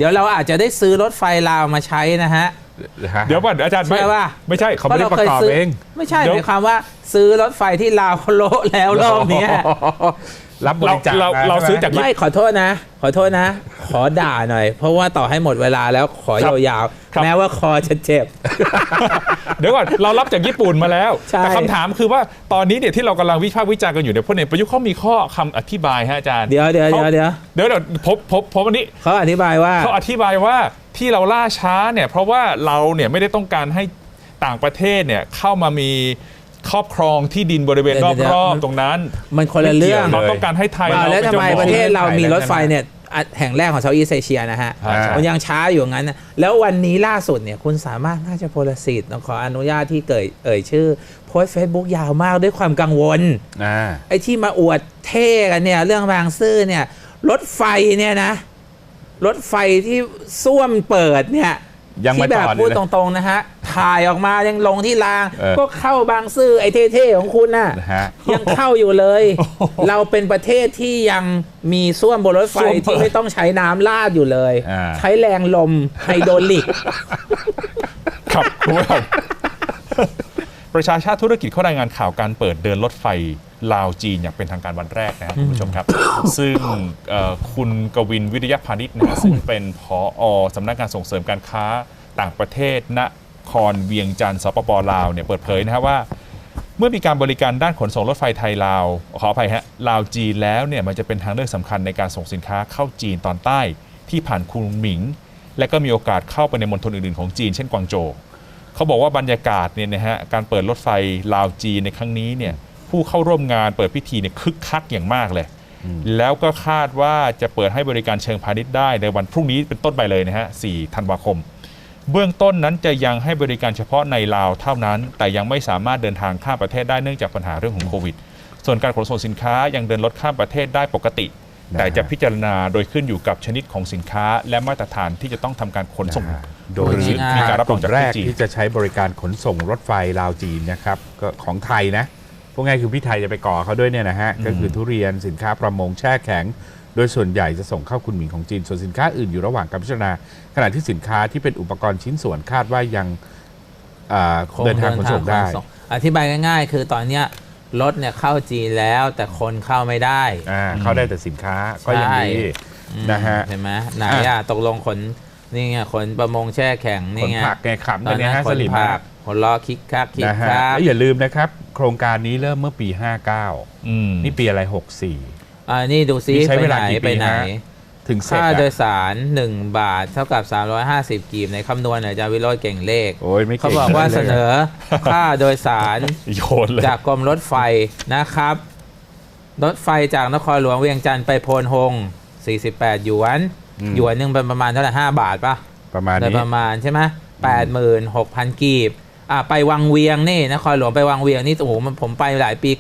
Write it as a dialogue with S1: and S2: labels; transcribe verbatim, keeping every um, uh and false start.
S1: เดี๋ยวเราอาจจะได้ซื้อรถไฟลาวมาใช้นะฮะ
S2: เดี๋ยวก่อนอาจารย์ไม่ไม่ใช่เขาไม่ได้ประกอบเอง
S1: ไม่ใช่หมายความว่าซื้อรถไฟที่ลาวเขาโละแล้วรอบนี้
S2: รับบริจาคเราเราซื้อจาก
S1: ไม่ขอโทษนะขอโทษนะขอด่าหน่อยเพราะว่าต่อให้หมดเวลาแล้วขอยาวๆแม้ว่าคอจะเจ็บ
S2: เดี๋ยวก่อนเรารับจากญี่ปุ่นมาแล้วแต่คำถามคือว่าตอนนี้เนี่ยที่เรากำลังวิพากษ์วิจารณ์กันอยู่เนี่ยพลเอกประยุทธ์เขามีข้อคำอธิบายฮะอาจารย์
S1: เดี๋ยวเดี๋ยวเดี๋ยวเดี๋ยว
S2: เดี๋ยวเดี๋ยวพบพบพบวันนี้
S1: เขาอธิบายว่า
S2: เขาอธิบายว่าที่เราล่าช้าเนี่ยเพราะว่าเราเนี่ยไม่ได้ต้องการให้ต่างประเทศเนี่ยเข้ามามีครอบครองที่ดินบริเวณรอบๆตรงนั้น
S1: มันคนละเรื่อง
S2: เราต้องการให้ไทย
S1: แล้วทำไมประเทศเรามีรถไฟเนี่ยแห่งแรกของเซาท์อีสต์เอเชียนะฮะมันยังช้าอยู่งั้นนะแล้ววันนี้ล่าสุดเนี่ยคุณสามารถน่าจะโพลสิทธิ์ขออนุญาตที่เกิดเอ่ยชื่อโพสเฟซบุ๊กยาวมากด้วยความกังวลไอ้ที่มาอวดเท่กันเนี่ยเรื่องบางซื่อเนี่ยรถไฟเนี่ยนะรถไฟที่ส้วมเปิดเนี่ยที่แบบพูดตรงๆนะฮะถ่ายออกมายังลงที่รางก็เข้าบางซื่อไอ้เท่ๆของคุณน่ะยังเข้าอยู่เลยเราเป็นประเทศที่ยังมีส้วมบนรถไฟที่ไม่ต้องใช้น้ำลาดอยู่เลยใช้แรงลมไฮโดรลิก
S2: ครับคุณผู้ชมประชาชาติธุรกิจเขารายงานข่าวการเปิดเดินรถไฟลาวจีนอย่างเป็นทางการวันแรกนะครับคุณผู้ชมครับซึ่งคุณกวินวิริยพานิชนะซึ่งเป็นผอ.สำนักงานส่งเสริมการค้าต่างประเทศนครเวียงจันทร์สปป.ลาวเนี่ยเปิดเผยนะครับว่าเมื่อมีการบริการด้านขนส่งรถไฟไทยลาวขออภัยฮะลาวจีนแล้วเนี่ยมันจะเป็นทางเลือกสำคัญในการส่งสินค้าเข้าจีนตอนใต้ที่ผ่านคุนหมิงและก็มีโอกาสเข้าไปในมณฑลอื่นๆของจีนเช่นกวางโจวเขาบอกว่าบรรยากาศเนี่ยนะฮะการเปิดรถไฟลาวจีนในครั้งนี้เนี่ยผู้เข้าร่วมงานเปิดพิธีเนี่ยคึกคักอย่างมากเลยแล้วก็คาดว่าจะเปิดให้บริการเชิงพาณิชย์ได้ในวันพรุ่งนี้เป็นต้นไปเลยนะฮะสี่ธันวาคมเบื้องต้นนั้นจะยังให้บริการเฉพาะในลาวเท่านั้นแต่ยังไม่สามารถเดินทางข้ามประเทศได้เนื่องจากปัญหาเรื่องของโควิดส่วนการขนส่งสินค้ายังเดินรถข้ามประเทศได้ปกติแต่จะพิจารณาโดยขึ้นอยู่กับชนิดของสินค้าและมาตรฐานที่จะต้องทำการขนส่ง
S3: โดยมีการรับรองจากแรกที่จะใช้บริการขนส่งรถไฟลาวจีนนะครับก็ของไทยนะพวกง่ายคือพี่ไทยจะไปก่อเขาด้วยเนี่ยนะฮะก็คือทุเรียนสินค้าประมงแช่แข็งโดยส่วนใหญ่จะส่งเข้าคุนหมิงของจีนส่วนสินค้าอื่นอยู่ระหว่างการพิจารณาขณะที่สินค้าที่เป็นอุปกรณ์ชิ้นส่วนคาดว่ายังเดินทางขนส่งได้
S1: อธิบายง่ายๆคือตอนนี้รถเนี่ยเข้าจีนแล้วแต่คนเข้าไม่ได้
S3: เข้าได้แต่สินค้าก็ยังดีนะฮะ
S1: เห็นไหมไหนอ่ะตกลงขนนี่ไงขนประมงแช่แข็งนี่ไง
S3: ขนผักไงขับตอนนี้
S1: ขนผักขนล้อคิกคักคิกคัก
S3: อย่าลืมนะครับโครงการนี้เริ่มเมื่อปีห้าเก้านี่ปีอะไรหกสี่
S1: อ่านี่ดูซิไปไหนไปไหน
S3: ถึง
S1: ค่าโดยสารหนึ่งบาทเท่ากับสามร้อยห้าสิบกีบในคำนวณอาจารย์วิโรจน์เก่งเลขเขาบอกว่าเสนอค่าโดยสารจากกรมรถไฟนะครับรถไฟจากนครหลวงเวียงจันทร์ไปโพนฮงสี่สิบแปดหยวนหยวนนึงเป็นประมาณเท่าไหร่ห้าบาทป่ะ
S3: ประมาณนี้
S1: ประมาณใช่ไหมแปดหมื่นหกพันกีบอ่ะไปวังเวียงนี่นครหลวงไปวังเวียงนี่โอ้โหผมไปหลายปี